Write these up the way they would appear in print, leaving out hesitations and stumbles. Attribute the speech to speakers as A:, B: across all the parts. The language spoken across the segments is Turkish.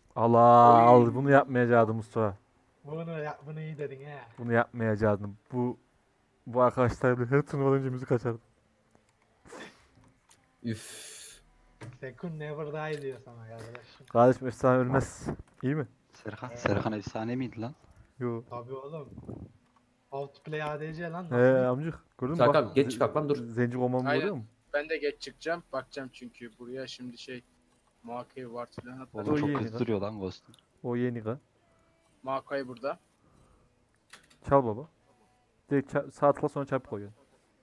A: Allah
B: Oy.
A: al bunu yapmayacaktım Mustafa.
C: Bunu iyi dedin he.
A: Bunu yapmayacaktım. Bu arkadaşlar her turnuvadan önce müzik açardı.
B: Üf.
C: Sekun never die diyor sana kardeşim.
A: Kardeşim efsane ölmez. İyi mi?
D: Serkan efsane miydi lan?
A: Yo.
C: Tabii oğlum. Outplay ADC lan
A: He
C: nasıl?
A: amcık. Gördün mü
B: Serkan,
A: bak.
B: geç çıkak lan, dur.
A: Zenci olmamı
E: Aynen.
A: görüyor musun?
E: Ben de geç çıkacağım. Bakacağım çünkü buraya şimdi Maokai var filan hatta.
D: Oğlum
A: O
D: çok
A: iyi
D: hızlı
A: lan.
D: duruyor lan Ghost'un.
A: O yeni ka.
E: Maokai burada.
A: Çal baba. Direkt sağ tıkla sonra çarpı koyuyor.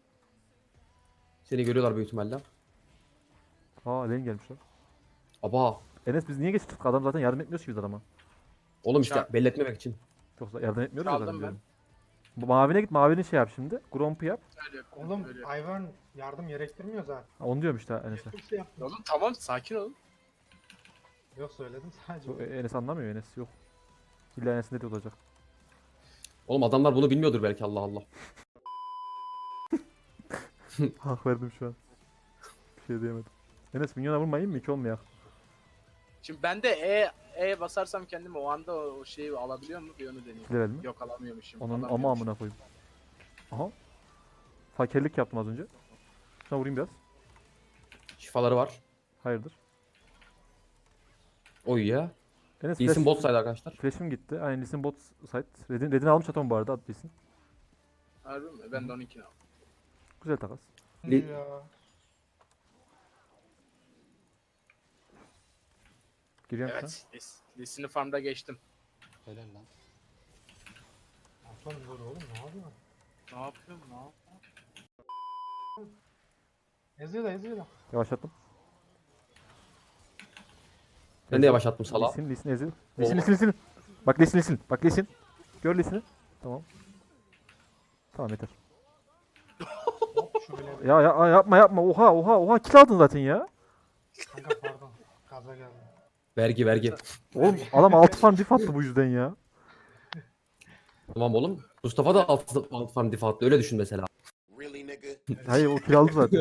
B: Seni görüyorlar büyük ihtimalle.
A: Aa Len gelmiş lan.
B: Aba.
A: Enes biz niye geç tuttuk? Adam zaten yardım etmiyoruz ki biz adama.
B: Oğlum işte
E: Çarp.
B: belli etmemek için.
A: Yoksa yardım etmiyoruz ya
E: Çaldım
A: zaten
E: ben.
A: diyorum. Bu mavine git mavinin şey yap şimdi. Gromp'u yap.
E: Öyle yapıyorum,
C: Oğlum
E: öyle yapıyorum.
C: Ivern yardım gerektirmiyor zaten.
A: Ha, onu diyorum işte Enes'e.
C: Çok şey yaptım.
E: Oğlum tamam sakin ol.
C: Yok söyledim sadece.
A: Bu Enes anlamıyor Enes yok. İlla Enes'in dediği olacak.
B: Oğlum adamlar bunu bilmiyordur belki, Allah Allah.
A: Hak verdim şu an. Bir şey diyemedim. Enes minyona vurmayayım mı? 2 olmayak.
E: Şimdi ben de E basarsam kendimi o anda o şeyi alabiliyor mu? Bir onu deneyeyim.
A: Level mi?
E: Yok alamıyormuşum.
A: Onun ama
E: alamıyormuşum.
A: amına koyayım. Aha. Fakirlik yaptım az önce. Şuna vurayım biraz.
B: Şifaları var.
A: Hayırdır?
B: Oy ya.
A: Enes
B: İyisin bot side arkadaşlar.
A: Flash'im gitti. Aynen Lee'sin bot site. Red'ini almış atom bu arada at Lee'sin.
E: Harbi mi? Ben de 12'ni aldım.
A: Güzel takas.
B: Li-
C: Ya.
A: Giriyorum şu an.
E: Evet. Listini farmda geçtim.
D: Helal lan.
C: Aslanım dur oğlum ne yapıyorsun?
E: Ne yapıyorum? Ne yapıyorum?
C: Eziyorlar.
A: Yavaşlattım.
B: Ben de yavaşlattım sala.
A: Lee'sin ezil.
B: Oha.
A: Lee'sin. Bak Lee'sin. Bak Lee'sin. Gör Lee'sini. Tamam. Tamam yeter.
C: Hop şöyle.
A: Yapma. Oha. Kill aldın zaten ya.
C: Kanka pardon. Gaza geldim.
B: Vergi.
A: Oğlum adam 6 farm diff attı bu yüzden ya.
B: Tamam oğlum. Mustafa da alt farm diff attı. Öyle düşün mesela.
A: Hayır o kill aldı zaten.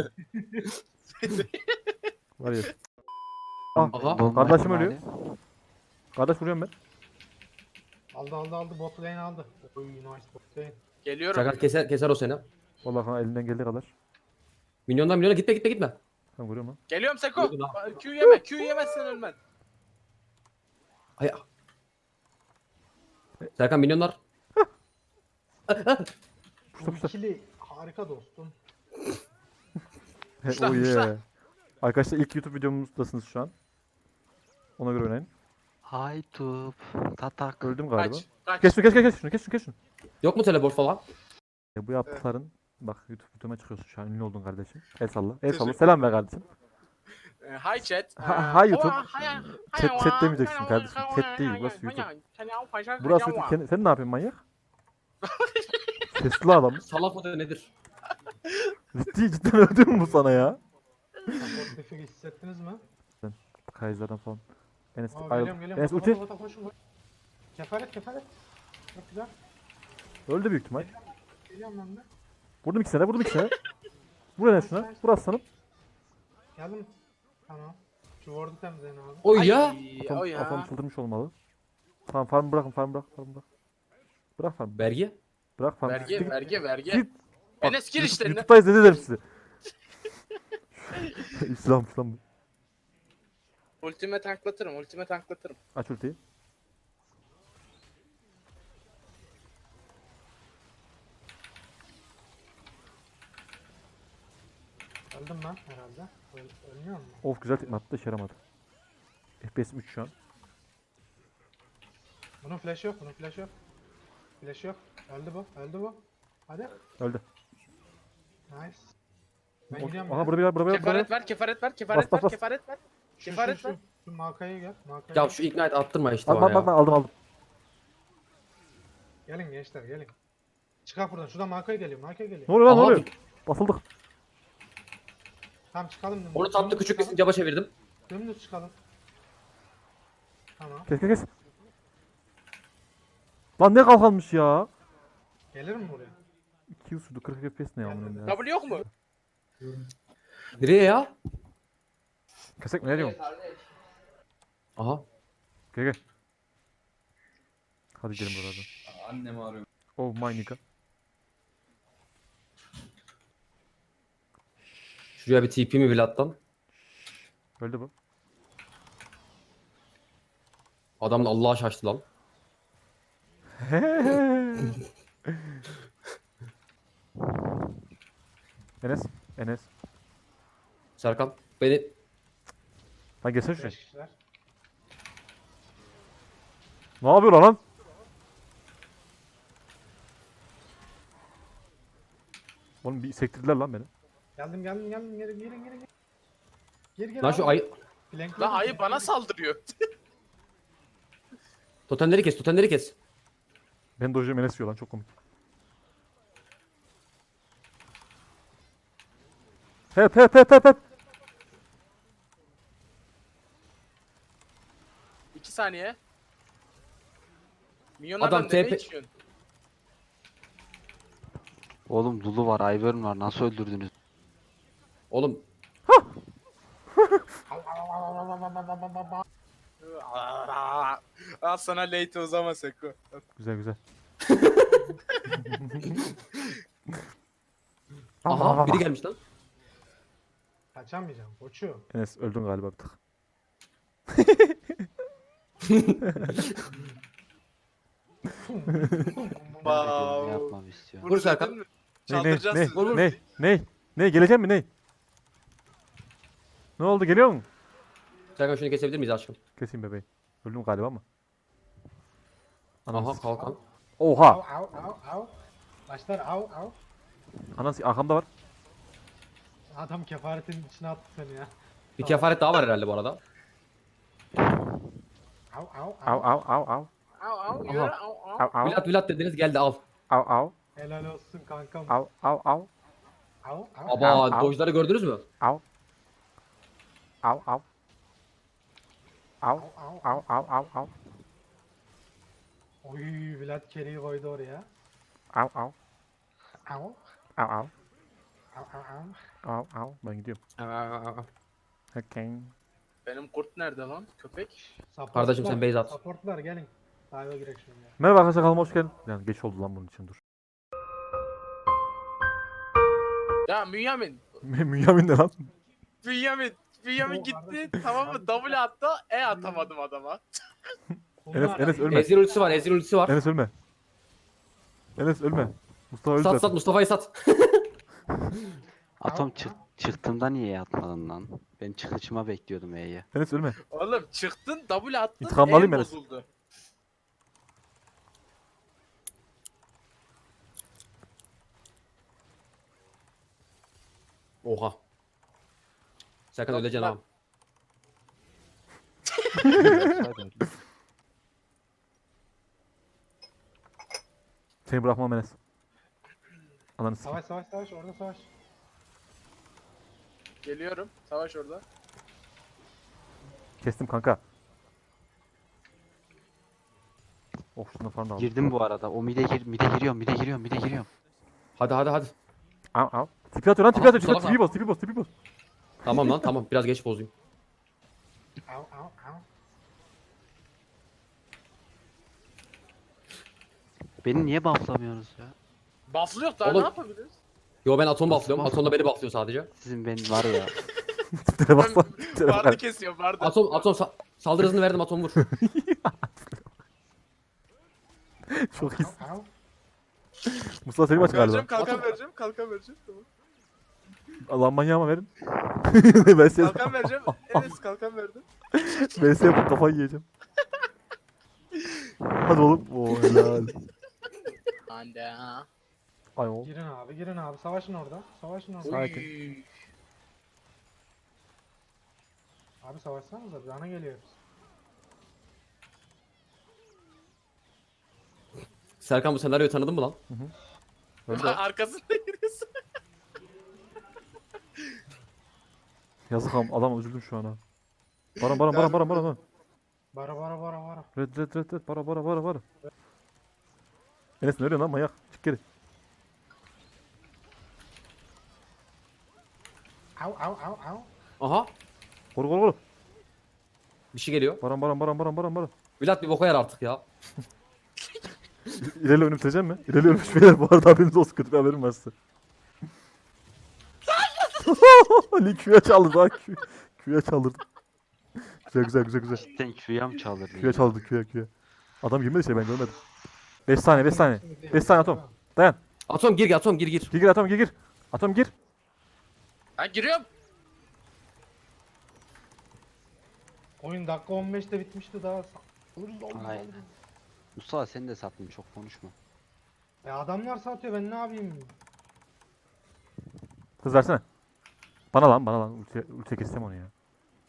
A: Var ya. Ah,
B: Aha.
A: kardeşim ölüyor. Kardeş vuruyorum ben.
C: Aldı bot lane aldı. Oy nice bot lane.
E: Geliyorum.
B: Serkan keser o seni.
A: Vallahi kanka elinden geldiği kadar.
B: Milyona gitme.
A: Ben vuruyorum lan.
E: Geliyorum Seko.
B: Gördün ha.
E: Q yeme. Q yemezsen ölmen.
B: Ay. Serkan milyonlar.
A: Puşta.
C: İkili harika dostum.
E: Puşla,
A: Oh
E: puşla.
A: yeah. Arkadaşlar ilk YouTube videomuzdasınız şu an. Ona göre oynayın.
D: Haytup. Tatak.
A: Öldüm galiba.
E: Kaç.
A: Kes şunu.
B: Yok mu teleport falan?
A: Bu yaptıkların bak YouTube videoma çıkıyorsun şu an ünlü oldun kardeşim. El salla.
E: Teşekkür
A: Selam ver kardeşim.
E: Hi chat.
A: Hi YouTube. Chat demeyeceksin kardeşim. Chat değil, burası YouTube. Burası YouTube. Sen ne yapıyorsun manyak? Sesli adam.
B: Salak mıdır nedir?
A: Cidden öldü mü bu sana ya?
C: Support defi hissettiniz mi?
A: Kaiser'dan falan. Enes
C: Aa,
A: ayrıl.
C: geliyorum.
A: Enes ulti.
C: Koşun. Kefaret. Çok güzel.
A: Öldü büyük ihtimal.
C: Geliyorum ben de.
A: Vurdum ikisine de. Vur Enes şuna. Vur aslanım.
C: Geldim. Tamam. Şu ward'u temizleyin abi.
B: Oy ya.
A: Atom çıldırmış olmalı. Tamam farm bırak. Bırak farm.
B: Vergi.
A: Bırak farm.
E: Vergi.
A: Git. Bak,
E: Enes gir işlerine.
A: YouTube'dayız ne dedim size. İslam bu.
E: Ultime tanklatırım.
A: Aç ultiyi.
C: Öldüm ben herhalde. Ölmüyor mu?
A: Of güzel tekme attı işe yaramadı. FPS 3 şu an.
C: Bunun flash yok. Flash yok. Öldü bu. Hadi.
A: Öldü.
C: Nice. Ben gidiyorum.
A: Aha burada bir yer.
E: Kefaret ver.
A: Bas.
E: Kefaret ver.
C: Şu Malka'ya gel.
B: Ya şu ignite attırma işte
A: Bak
B: bana
A: bak
B: ya.
A: aldım.
C: Gelin gençler gelin. Çıkar buradan. Şuradan Malka'ya geliyor.
A: Ne oluyor lan ne
B: Aha,
A: oluyor? Basıldık.
C: Tamam çıkalım. dümdüz.
B: Onu tatlı küçük bir caba çevirdim.
C: Dümdüz çıkalım. Tamam.
A: Kes. Lan ne kalkalmış ya?
C: Gelir mi buraya?
A: 2 yıl sürdü 40 FPS ne ya? bunun ya?
E: W yok mu?
B: Nereye ya?
A: Kesek mi ne diyorsun?
B: Aha.
A: Gel gel. Hadi gelin buradan.
F: Annemi arıyorum.
A: Oh my nigga.
B: Şuraya bir TP mi Vlad'dan?
A: Öldü bu.
B: Adam da Allah'a şaştı lan.
A: Enes. Enes.
B: Serkan beni
A: Lan gelsene şuraya.
C: 5 kişiler.
A: Ne yapıyor lan? Oğlum bir sektirdiler lan beni.
C: Geldim geri. Geri
B: lan şu ay
C: Flankledim,
E: Lan ayı bana
C: flankledim.
E: saldırıyor.
B: totemleri kes, totemleri kes.
A: Ben dojum Enes yiyor lan çok komik. Hep.
E: 2 saniye. Milyonlardan
B: Adam
E: ne
B: TP
E: içiyorsun?
D: Oğlum Lulu var, Ivern var. Nasıl öldürdünüz?
B: Oğlum
E: Al sana late uzama Seko.
A: Güzel.
B: aha biri gelmiş lan.
C: Kaçamayacağım koçum.
A: Enes öldün galiba bir tık.
D: Ne yapmamı istiyor?
B: Vur Serkan.
E: Dedin mi?
A: Ne
E: Çaldıracağız sizi.
A: ne gelecek mi ne? Ne oldu geliyor mu?
B: Serkan şunu kesebilir miyiz aşkım?
A: Keseyim bebeği. Öldüm galiba ama.
B: Aha
A: Ananı
B: kalkan.
C: Av
A: Oha!
C: av. Başlar av.
A: Ananı arkamda var.
C: Adam kefaretin içine attı seni ya.
B: Bir kefaret daha var herhalde bu arada.
C: Av.
A: Av.
E: Au yürü
B: Aha.
E: au.
B: Vlad dediniz geldi al.
A: Av.
C: Helal olsun kankam.
A: Av.
C: Av.
B: Aba
A: Au.
B: dojları gördünüz mü?
A: Av.
C: Oy Vlad Kerry'i koydu oraya.
A: Av.
C: Av.
A: Ben gidiyorum. Okay.
E: Benim kurt nerede lan? Köpek.
B: Kardeşim sen base at.
C: Supportlar gelin. Dive'a girek şimdi ya.
A: Merhaba arkadaşlar kanalıma hoş geldin. Yani geç oldu lan bunun için dur.
E: Ya Bünyamin.
A: Münyamin ne lan?
E: Bünyamin gitti tamam mı? W attı. Atamadım adama.
A: Enes ölme.
B: Ezreal ultisi var, Ezreal ultisi var.
A: Enes ölme. Mustafa öldü
B: Sat
A: zaten.
B: sat Mustafa'yı sat.
D: Atom çıktığında niye yatmadın lan? Ben çıkışıma bekliyordum E'ye.
A: Enes ölme.
E: Oğlum çıktın W attın.
A: İntikamını alayım Enes.
E: bozuldu.
B: Oha. Serkan
E: Yok,
B: öleceksin
E: ben-
B: abi.
A: Seni bırakmam Enes. Ananı sikeyim.
C: Savaş orada savaş.
E: Geliyorum. Savaş orada.
A: Kestim kanka. Oh şunu falan da aldım.
D: Girdim bu arada. O mide giriyorum.
B: Hadi.
A: Av. Tipi atıyor lan tipi
B: Aha,
A: atıyor.
B: salak
A: Tipi bas.
B: Tamam lan tamam biraz geç bozayım.
C: Av.
D: Beni niye bufflamıyorsunuz ya?
E: Buff'lı yok daha
B: Oğlum-
E: ne yapabiliriz?
B: Yo ben Atom
D: Nasıl
B: bufflıyorum.
D: buff?
B: Atom da beni bufflıyor sadece.
D: Sizin ben var ya.
A: Tiplere bas lan. Tiplere
E: Vardı
A: bak.
E: kesiyor vardı.
B: Atom saldırı hızını verdim Atom vur.
A: Çok iyi.
C: Av.
A: Mustafa Selim aç galiba.
E: Kalkan vereceğim. Tamam.
A: Allah manyağıma verin. ben size
E: Kalkan vereceğim. Enes kalkan verdim.
A: ben size yapıp kafayı yiyeceğim. Hadi oğlum. Oo helal.
E: Ande.
A: Ay oğlum.
C: Girin abi. Savaşın orada.
A: Sakin.
E: Uy.
C: Abi savaşsanıza bana geliyoruz.
B: Serkan bu senaryoyu tanıdın mı lan?
A: Öldü.
E: Arkasında yürüyorsun.
A: Yazık adam üzüldüm şu an ha. Baran.
C: Bara.
A: Red. Bara. Enes ne arıyorsun lan manyak? Çık geri.
C: Av.
B: Aha
A: Koru.
B: bir şey geliyor.
A: Baran.
B: Vlad bir boka yer artık ya.
A: İleri önüm biteceğim mi? İleri ölmüş beyler bu arada haberiniz olsun, kötü bir haberim var size. Ali Q'ya çaldı daha Q'ya çaldırdı. Güzel.
D: Cidden Q'ya mı çaldırdın?
A: Q'ya çaldırdı Q'ya. Adam girmedi şey, ben görmedim. 5 saniye 5 saniye. 5 saniye Atom. Dayan.
B: Atom gir Atom gir.
A: Gir Atom gir. Atom gir.
E: Ben giriyorum.
C: Oyun dakika 15'te bitmişti daha. Alırız oğlum.
D: Aynen.
C: alırız.
D: Mustafa sen de sattın, çok konuşma.
C: Adamlar satıyor, ben ne yapayım?
A: Hız versene. Bana lan. Ultiye keseceğim onu ya.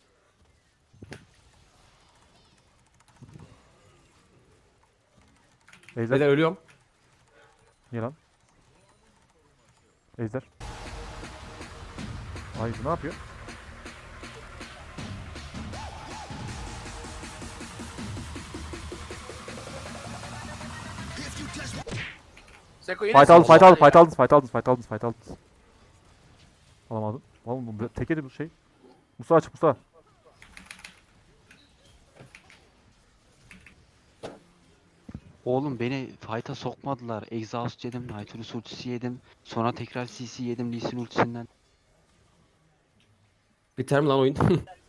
A: Ejder.
B: Beyler ölüyorum.
A: Niye lan? Ejder. Ay bu ne yapıyor?
E: Seko yine
A: Fight
E: savaş
A: aldınız.
E: var ya.
A: Alamadım. Oğlum bu tek yedi bu şey. Musa aç Musa.
D: Oğlum beni fight'a sokmadılar. Exhaust yedim, Nautilus ultisi yedim. Sonra tekrar CC yedim Lee Sin ultisinden.
B: Biter mi lan oyun?